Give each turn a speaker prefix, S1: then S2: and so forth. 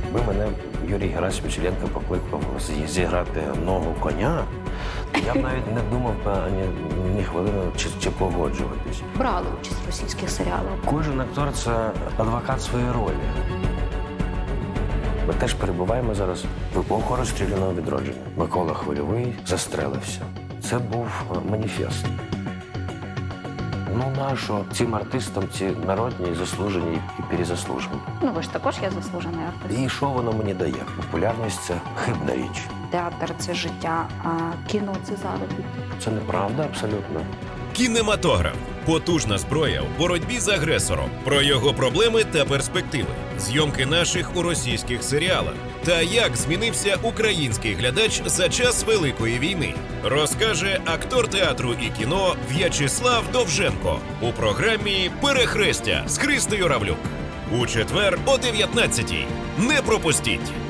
S1: Якби мене Юрій Герасимович Іллєнко покликав зіграти ногу коня, я б навіть не думав би ні хвилини чи погоджуватись.
S2: Брали участь в російських серіалах.
S1: Кожен актор – це адвокат своєї ролі. Ми теж перебуваємо зараз в епоху розстріляного відродження. Микола Хвильовий застрелився. Це був маніфест. Ну, нащо цим артистам ці народні, заслужені і перезаслужені?
S2: Ну, ви ж також є заслужений артист.
S1: І що воно мені дає? Популярність – це хибна річ.
S2: Театр – це життя, а кіно – це заробіток.
S1: Це неправда абсолютно.
S3: Кінематограф – потужна зброя в боротьбі з агресором. Про його проблеми та перспективи. Зйомки наших у російських серіалах. Та як змінився український глядач за час Великої війни. Розкаже актор театру і кіно В'ячеслав Довженко у програмі «Перехрестя» з Христою Равлюк. У четвер о 19-й. Не пропустіть!